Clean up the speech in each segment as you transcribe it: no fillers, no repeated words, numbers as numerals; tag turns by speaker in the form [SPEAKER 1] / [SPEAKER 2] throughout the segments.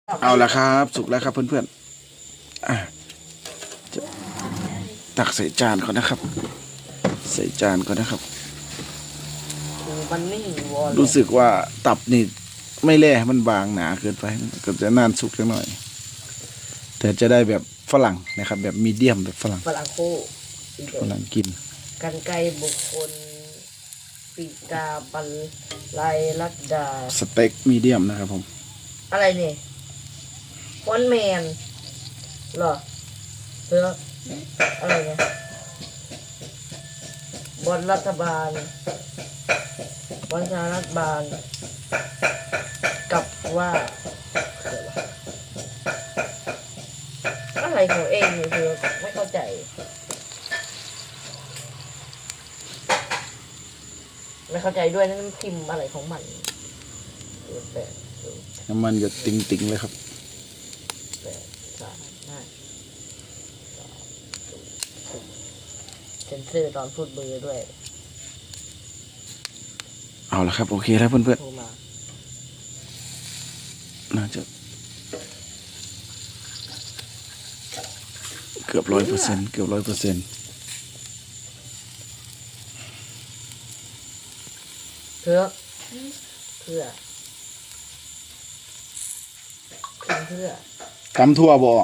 [SPEAKER 1] เอาละครับสุกแล้วครับเพื่อนๆจะตักใส่จานก่อนนะครับใส่จานก่อนนะครับ
[SPEAKER 2] มันไม่วอล
[SPEAKER 1] รู้สึกว่าตับนี่ไม่แล่มันบางหนาเกินไปก็จะนานสุกจังหน่อยแต่จะได้แบบฝรั่งนะครับแบบมีเดียมแบบฝรั่ง
[SPEAKER 2] ฝรั่งโค
[SPEAKER 1] ฝรั่งกิน
[SPEAKER 2] กันไกรบุคคลปีกาบันไลลัดดา
[SPEAKER 1] สเต็กมีเดียมนะครับผม
[SPEAKER 2] อะไรเนี่ยวอนแมนเหรอเพื่ออะไรเนี่ยบอลรัฐบาลบอลชารัฐบาลกับว่าอะไรของเองเนี่ยเธอไม่เข้าใจไม่เข้าใจด้วยนั่นพิมพ์อะไรของมัน
[SPEAKER 1] น้ำมันจะติ่งๆเลยครับ
[SPEAKER 2] เซนเซอร์ตอนพูดเบอร์ด้วย
[SPEAKER 1] เอาละครับโอเคแล้วเพื่อน
[SPEAKER 2] โทรมา
[SPEAKER 1] ๆน่าจะเกือบ100%เกือบ100%
[SPEAKER 2] เพื่อ
[SPEAKER 1] ตำทั่วบ่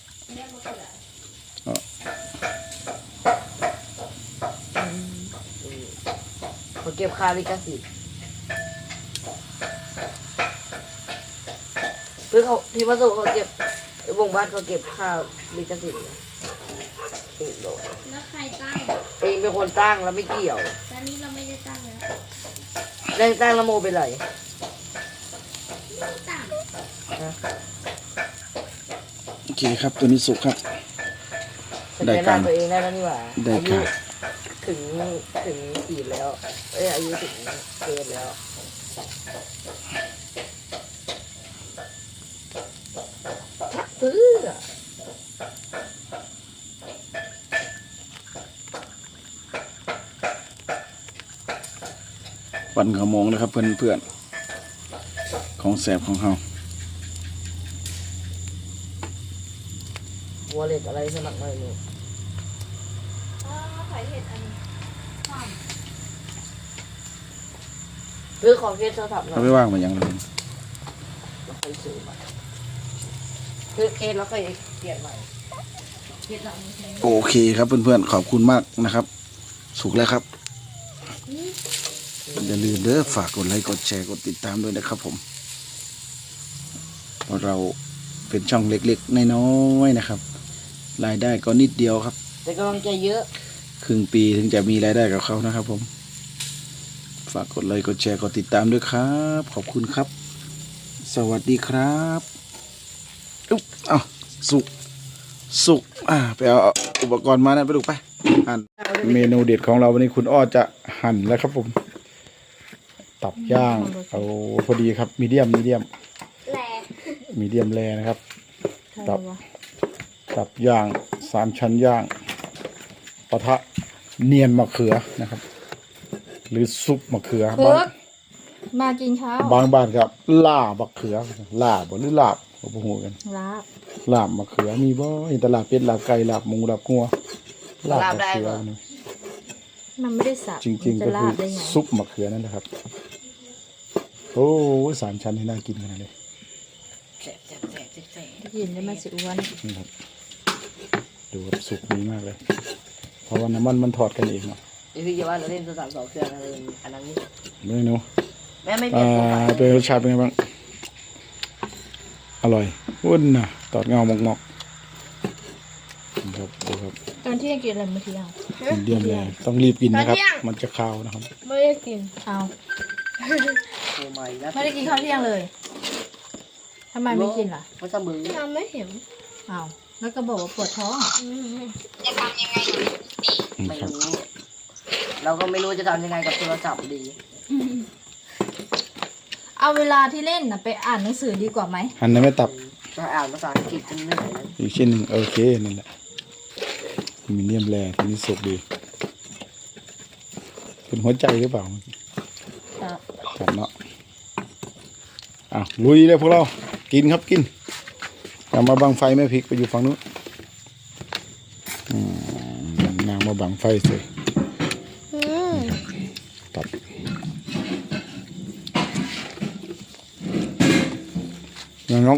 [SPEAKER 2] เขาเก็บค่าลิขสิทธิ์เพื่อเขาที่วัสดุเขาเก็บวงบ้านเขาเก็บค่าลิขสิทธิ์
[SPEAKER 3] แล้วใครตั้ง
[SPEAKER 2] เองเป็นคนตั้งแล้วไม่เกี่ยว
[SPEAKER 3] ตอนนี้เราไม่ได้ตั้งแล้ว
[SPEAKER 2] ได้ตั้งแล้วโมเป็นไร
[SPEAKER 3] ตั้ง
[SPEAKER 1] โอเคครับตัวนี้สุกครับได้การ
[SPEAKER 2] ตัวเองได้แล้วนี่หว่า
[SPEAKER 1] ได้การ
[SPEAKER 2] ถึงขีดแล้วอายุถึงเกณฑ์แล้วซื้อ
[SPEAKER 1] ปั่นขโมงนะครับเพื่อนๆของแสบของเฮา
[SPEAKER 2] วอลเล็ตอะไรสมัครมาหนู
[SPEAKER 3] ขายเห็ดอันนี้ความ
[SPEAKER 2] หรือของเคสโทรศัพท์หน่อ
[SPEAKER 1] เขา
[SPEAKER 2] ย
[SPEAKER 1] ไม่ว่างมาอย่างไร
[SPEAKER 2] เราเคยซื้อมาคือเคสเราเคยเปลี่ยนใหม่เคสเราไม่ใช่
[SPEAKER 1] โอเคครับเพื่อนๆขอบคุณมากนะครับสุกแล้วครับอย่าลืมเด้อฝากกดไลค์กดแชร์กดติดตามด้วยนะครับผมเพราะเราเป็นช่องเล็กๆน้อยๆนะครับรายได้ก็นิดเดียวครับ
[SPEAKER 2] แต่กำลังใจเยอะ
[SPEAKER 1] ครึ่งปีถึงจะมีรายได้กับเขานะครับผมฝากกดไลค์กดแชร์กดติดตามด้วยครับขอบคุณครับสวัสดีครับอุ๊บเอาสุกไปเอาอุปกรณ์มานะไปดูไปหั่นเมนูเด็ดของเราวันนี้คุณอ้อจะหั่นแล้วครับผมตับย่างเอาพอดีครับมีเดียม
[SPEAKER 3] แหล
[SPEAKER 1] แรนะครับตับย่าง3 ชั้นย่างปะทะเนียนมะเขือนะครับหรือซุปมะเขือ
[SPEAKER 3] มากินข้าว
[SPEAKER 1] บางบ้านครับลาบมะเขือลาบหรือลาบบ่ฮู้กันลาบมะเขือมีบ่เห็นตลาดเป็ดลาบไก่ลาบหมูลาบงัวลาบมะเขือนี่
[SPEAKER 3] มันไม่ได้สับ
[SPEAKER 1] จริงๆก็คือซุปมะเขือนั่นแหละครับโอ้3 ชั้นให้น่ากินขนาดเลย
[SPEAKER 3] กินได้มาสิอ้วน
[SPEAKER 1] นี่ครับดูครับสุกดีมากเลยเพราะว่าน้ำมันถอดกันเองเนาะ
[SPEAKER 2] พี่จะว่าเราเล่นโทรศัพท์2 เครื่องอะไรอันนั้นนี่
[SPEAKER 1] ไม่รู้
[SPEAKER 2] แม่ไม่เปลี่ยนโปรไฟล์
[SPEAKER 1] เป็นรสชาติเป็นไงบ้างอร่อยวุ่นนะตอดเงาหมอกๆครับดูครับ
[SPEAKER 3] ตอนที่กินอะไรเมื่อกี้อ่ะ
[SPEAKER 1] เดียมเลยต้องรีบกินนะครับมันจะคาวนะครับ
[SPEAKER 3] ไม่ได้กินเอา
[SPEAKER 2] โอ้ไม่นะ
[SPEAKER 3] ไม่ได้กินข้าวเที่ยงเลยทำไมไม่กินล่ะ
[SPEAKER 2] ไม่เสมอ
[SPEAKER 3] เราไม่เห็นเอาแล้วก็บอกว่าปวดท้อง
[SPEAKER 2] ไม่รู้เราก็ไม่รู้จะทำยังไงกับโทรศัพท์ดี
[SPEAKER 3] เอาเวลาที่เล่นน่ะไปอ่านหนังสือดีกว่าไหม
[SPEAKER 1] หั่นในไม่ตับ
[SPEAKER 2] จะอ่านภาษาอังกฤษจนเหนื่อยนะ
[SPEAKER 1] อีกชิ้นหนึ่งโอเคนั่นแหละมีเดียมแรทีนี้สุกดีเป็นหัวใจหรือเปล่าครับเนาะลุยเลยพวกเรากินครับกินอย่ามาบังไฟแม่พริกไปอยู่ฝั่งนู้นนางมาบังไฟสิตัดน้อง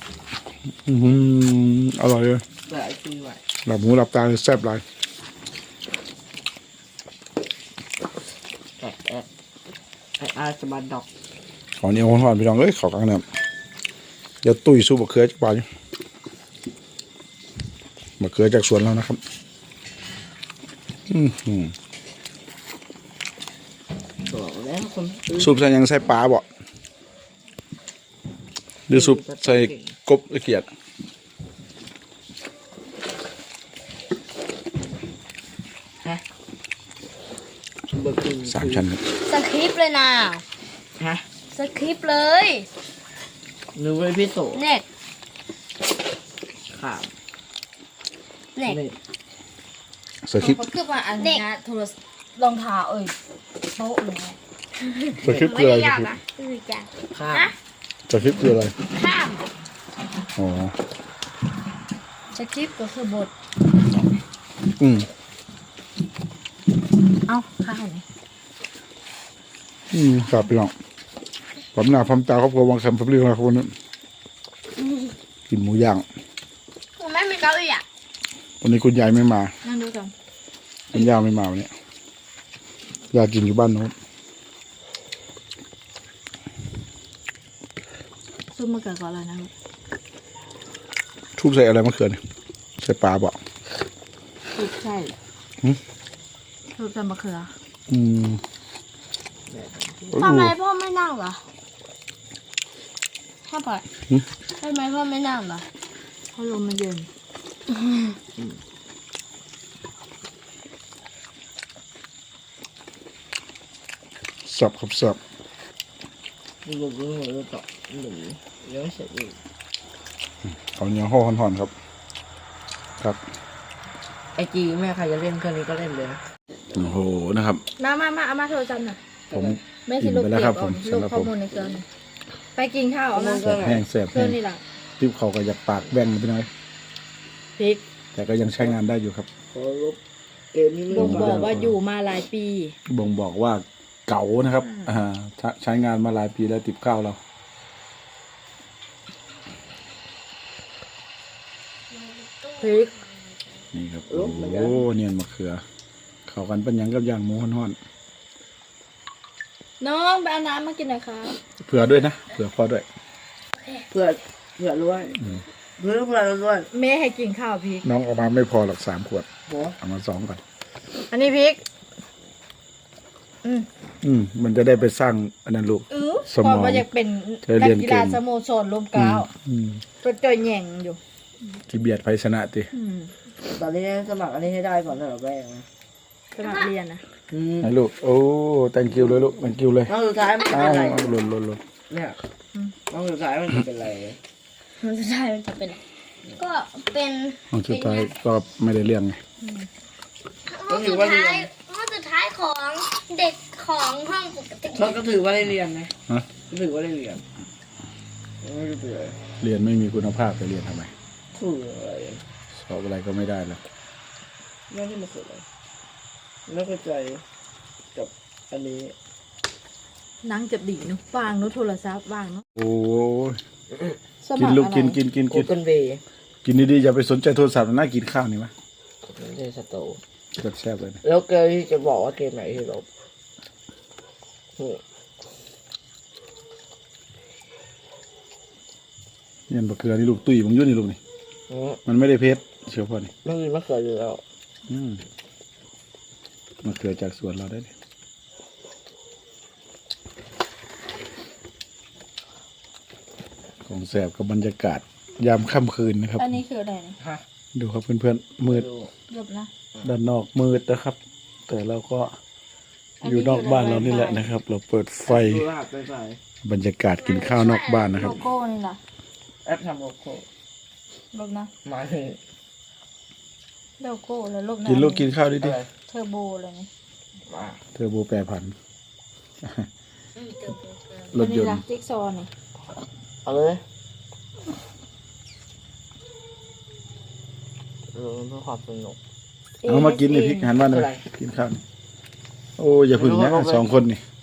[SPEAKER 1] อร่อยเลย
[SPEAKER 2] หลายปีไว้
[SPEAKER 1] หลับหูหลับตาเลยแซ่บหลาย
[SPEAKER 2] ไอ้อาสบันดอก
[SPEAKER 1] ขอเหนียวหวานๆพี่น้องเอ้ยขอกลางน้ำเดี๋ยวตุ้ยสู้บะเขือจากป่าอยู่บะเขือจากสวนเรานะครับ
[SPEAKER 2] บอกแล้วคน
[SPEAKER 1] ซุปใส่ยังใส่ปลาบ่หรือซุปใส่กบละเกียด
[SPEAKER 2] เบอร์กิน
[SPEAKER 1] 3 ชั้นครับ
[SPEAKER 3] สคริปต์เลยนะ
[SPEAKER 2] ฮะ
[SPEAKER 3] สคริปต์เลย
[SPEAKER 2] นึกว่าพี่โต
[SPEAKER 3] เน็ต
[SPEAKER 2] ข่าว
[SPEAKER 3] เน็ต
[SPEAKER 2] นี่
[SPEAKER 1] สคริปต์
[SPEAKER 3] เขาคือว่าอันนี้โทรศัพท์รองเท้าโต๊ะเลย
[SPEAKER 1] สคริปต์คืออะไรสคริปต์
[SPEAKER 3] คือจัง
[SPEAKER 2] ข้าว
[SPEAKER 1] สคริปต์คืออะไร
[SPEAKER 3] ข้าม
[SPEAKER 1] อ๋อ
[SPEAKER 3] สคริปต์ก็คือบท
[SPEAKER 1] อืม
[SPEAKER 3] เอ้าข้าวไหน
[SPEAKER 1] ครับพี่น้องผมหน้าผมตาครอบครัววังคำผมเรียกอะไรคนนั้นกินหมูย่าง
[SPEAKER 3] ผมไม่มีเก้าอี้อ่ะ
[SPEAKER 1] วันนี้คุณยายไม่มา
[SPEAKER 3] นั่งดูกัน
[SPEAKER 1] คุณย่าไม่มาวันนี้ยายกินอยู่บ้านโน้น
[SPEAKER 3] ซุปมะเขือก่อนเลยนะลูก
[SPEAKER 1] ทุบใส่อะไรมะเขือเนี่ยใส่ปลาบ่
[SPEAKER 3] ซุปใช่ซุปใส่มะเขือ
[SPEAKER 1] อืม
[SPEAKER 3] ทำไมพ่อไม่นั่งเหรอพ่อปล่อยทำไมพ่อไม่นั่งเหรอเพราะลมมันเย็น
[SPEAKER 1] สับครับสับ
[SPEAKER 2] ดูดูดูต่อหนูยังไม่เสร็จอีก
[SPEAKER 1] เอาเนื้อห่อห่อนๆครับ ครับ
[SPEAKER 2] ไอจีแม่ใครจะเล่นเครื่องนี้ก็เล่นเลยนะ
[SPEAKER 1] โอ้โหนะครับ
[SPEAKER 3] มาเอามาโทรศัพท์หน่อย
[SPEAKER 1] ผม
[SPEAKER 3] ไม่
[SPEAKER 1] กิ
[SPEAKER 3] สิ
[SPEAKER 1] น
[SPEAKER 3] ลูก
[SPEAKER 1] ไป
[SPEAKER 3] เก็
[SPEAKER 1] แล้วครับ
[SPEAKER 3] บ
[SPEAKER 1] ผม
[SPEAKER 3] ลูก
[SPEAKER 1] สำหรับ
[SPEAKER 3] ข้อ
[SPEAKER 1] ผม
[SPEAKER 3] มูลในเครื่องหน่อยไปกินข้าวเอามา
[SPEAKER 1] แสบแห้งแสบ
[SPEAKER 3] เครื่
[SPEAKER 1] แห้
[SPEAKER 3] อง
[SPEAKER 1] ง
[SPEAKER 3] นี่แหละ
[SPEAKER 1] ติ๊บเขาก็อยากปากแบ่งไปหน่อย
[SPEAKER 3] พริก
[SPEAKER 1] แต่ก็ยังใช้งานได้อยู่ครับ
[SPEAKER 2] ขอลบเกมนี้ไม่
[SPEAKER 3] บ่ง
[SPEAKER 2] มา
[SPEAKER 3] บอกว่าอยู่มาหลายปี
[SPEAKER 1] บ่งบอกว่าเก่านะครับใช้งานมาหลายปีแล้วติดข้าวเรา
[SPEAKER 3] พริก
[SPEAKER 1] นี่ครับโอ้โหเนียนมะเขือ เข้ากันเป็นหยังกับย่างหมูห่อน
[SPEAKER 3] น้องไปเอาน้ำมากินหน่อยค่ะ
[SPEAKER 1] ๆเผื่อด้วยนะเผื่อพ่อด้วย
[SPEAKER 2] เพื่อด้วยเพื่อด้วย
[SPEAKER 3] แม่ให้กินข้าวพริก
[SPEAKER 1] น้องเออกมาไม่พอหรอก3 ขวด
[SPEAKER 2] โอ้
[SPEAKER 1] เอามา2ก่อน
[SPEAKER 3] อันนี้พริก
[SPEAKER 1] มันจะได้ไปสร้างอันนั้นลูก สมอง
[SPEAKER 3] พอมาอยากเป็น
[SPEAKER 1] จะเรี
[SPEAKER 3] นั
[SPEAKER 1] ยน
[SPEAKER 3] กกี
[SPEAKER 1] เก่
[SPEAKER 3] ฬาง สโมสรลมเกล้าว
[SPEAKER 1] อืม
[SPEAKER 3] ตัวจ่อยแหย่งอยู่
[SPEAKER 1] ที่เบียดไพชนะติ
[SPEAKER 2] ตอนนี้สมัครอันนี้ให้ได้ก่อนเถอะแม่นะ
[SPEAKER 3] สมัครเรียนนะ
[SPEAKER 1] ให้ลูกโอ้ thank you เลยลูก thank you เลย
[SPEAKER 2] น้องสุดท้ายมันจะ
[SPEAKER 1] อ้า
[SPEAKER 2] เป็น
[SPEAKER 1] ว
[SPEAKER 2] อะไร
[SPEAKER 1] หล่น
[SPEAKER 2] เนี่ยน้องสุดท้ายมันจะเป็นอะไร
[SPEAKER 3] มันจะได้มันจะเป็นอะไรก็เป็น
[SPEAKER 1] ห้องสุดท้ายก็ไม่ได้เรื่องไง
[SPEAKER 2] ก็ถือว่าเรียน
[SPEAKER 4] ห้องสุดท้ายของเด็กของห้องปกติ
[SPEAKER 2] ก็ถือว่าได้เรียนไง
[SPEAKER 1] ฮะ
[SPEAKER 2] ก็ถือว่าได้เรียนไม่ได้เรียน
[SPEAKER 1] เรียนไม่มีคุณภาพจะเรียนทำไม
[SPEAKER 2] ถืออะไร
[SPEAKER 1] สอบอะไรก็ไม่ได้แล้ว
[SPEAKER 2] ไม่ได้มาสุดเลยไม่เข้าใจกับอันนี้
[SPEAKER 3] นั่งจะดีเนุวางเนุโทรศัพท์วางเนุ
[SPEAKER 1] โอ้ย
[SPEAKER 3] ส
[SPEAKER 1] กิน
[SPEAKER 3] มัคร
[SPEAKER 1] ลูก
[SPEAKER 3] อะไร
[SPEAKER 1] กิน
[SPEAKER 2] โอเปนเวย์
[SPEAKER 1] กินดีๆอย่าไปสนใจโทรศัพท์น่ากินข้าวนี่มะ
[SPEAKER 2] ไม่ใช่สโต
[SPEAKER 1] แซ่บๆเลยนะ
[SPEAKER 2] แล้วเกมที่จะบอกว่าเกมไหนที่ลบนี่
[SPEAKER 1] เนี่ยมะเขือนี่ลูกตุ้ยมึงยุ่นนี่ลูกนี่ มันไม่ได้เพชรเชียวพ่อนี่
[SPEAKER 2] ไม่มีมะเขืออยู่แล้ว
[SPEAKER 1] มะเขือจากสวนเราได้เลยของแสบกับบรรยากาศยามค่ำคืนนะครับ
[SPEAKER 3] อันนี้คืออะไรเนี่ย
[SPEAKER 2] ฮะ
[SPEAKER 1] ดูครับเพื่อนๆมืด
[SPEAKER 2] ดู
[SPEAKER 3] หลบนะ
[SPEAKER 1] ด้านนอกมืดนะครับ แต่เราก็อยู่นอกบ้านเรานี่แหละนะครับ เราเปิดไฟ
[SPEAKER 2] ดูรหัสไปไป
[SPEAKER 1] บรรยากาศกินข้าวนอกบ้านนะค
[SPEAKER 3] โล
[SPEAKER 1] รับ
[SPEAKER 3] โก้นี่ล่ะ
[SPEAKER 2] แอปทำโลโก้
[SPEAKER 3] หลบนะ
[SPEAKER 2] หมายถึง
[SPEAKER 3] โลโก้แล้วหลบนะ
[SPEAKER 1] กินลูกกินข้าวดิ
[SPEAKER 2] อะไร
[SPEAKER 3] เทอร์โบเลยนี่
[SPEAKER 2] มา
[SPEAKER 1] เทอร์โบแปรผันร
[SPEAKER 3] อั
[SPEAKER 1] ถ
[SPEAKER 3] น
[SPEAKER 1] ย
[SPEAKER 3] นี้
[SPEAKER 1] น
[SPEAKER 3] ล่ะ
[SPEAKER 1] ต์
[SPEAKER 3] จิ๊กซอว์นี่
[SPEAKER 2] เอาเลยเพื่อความสนุก
[SPEAKER 1] เอามากินนี่พริกหันบ้านหน่อย
[SPEAKER 2] อะไร
[SPEAKER 1] กินข้าวนี่โอ้อย่าพึ่งนะสองคนนี่